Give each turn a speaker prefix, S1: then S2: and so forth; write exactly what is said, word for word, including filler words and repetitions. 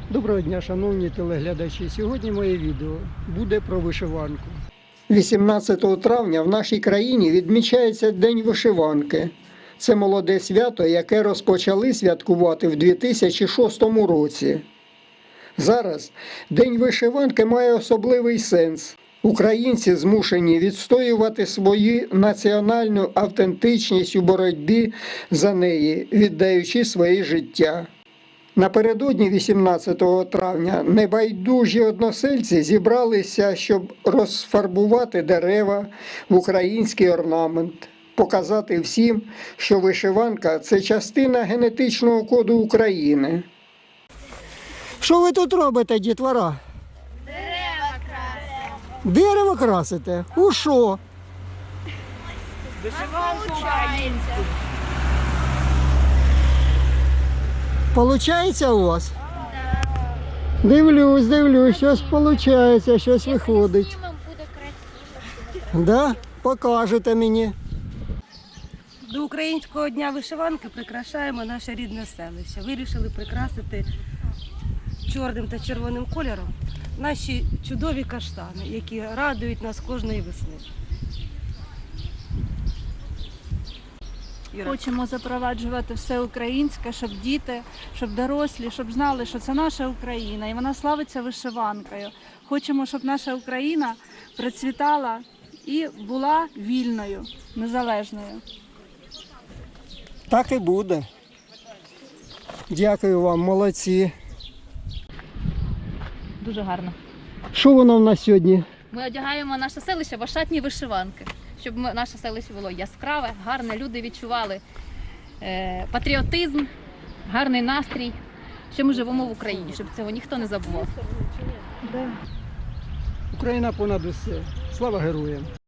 S1: Доброго дня, шановні телеглядачі. Сьогодні моє відео буде про вишиванку. вісімнадцятого травня в нашій країні відмічається День вишиванки. Це молоде свято, яке розпочали святкувати в дві тисячі шостому році. Зараз День вишиванки має особливий сенс. Українці змушені відстоювати свою національну автентичність у боротьбі за неї, віддаючи своє життя. Напередодні вісімнадцятого травня небайдужі односельці зібралися, щоб розфарбувати дерева в український орнамент, показати всім, що вишиванка – це частина генетичного коду України. Що ви тут робите, дітвора?
S2: Дерева красимо.
S1: Дерево красите? У що?
S2: Вишиванка.
S1: Получається у вас? Дивлюсь, дивлюсь, щось получається, щось виходить.
S2: Буде красиво.
S1: Да? Покажете мені.
S3: До Українського дня вишиванки прикрашаємо наше рідне селище. Вирішили прикрасити чорним та червоним кольором наші чудові каштани, які радують нас кожної весни. Іра.
S4: Хочемо запроваджувати все українське, щоб діти, щоб дорослі, щоб знали, що це наша Україна і вона славиться вишиванкою. Хочемо, щоб наша Україна процвітала і була вільною, незалежною.
S1: Так і буде. Дякую вам, молодці.
S5: Дуже гарно.
S1: Що воно в нас сьогодні?
S5: Ми одягаємо наше селище в ошатні вишиванки, щоб ми- наше селище було яскраве, гарне, люди відчували е, патріотизм, гарний настрій, що ми живемо в Україні, щоб цього ніхто не забував.
S1: Україна понад усе. Слава героям!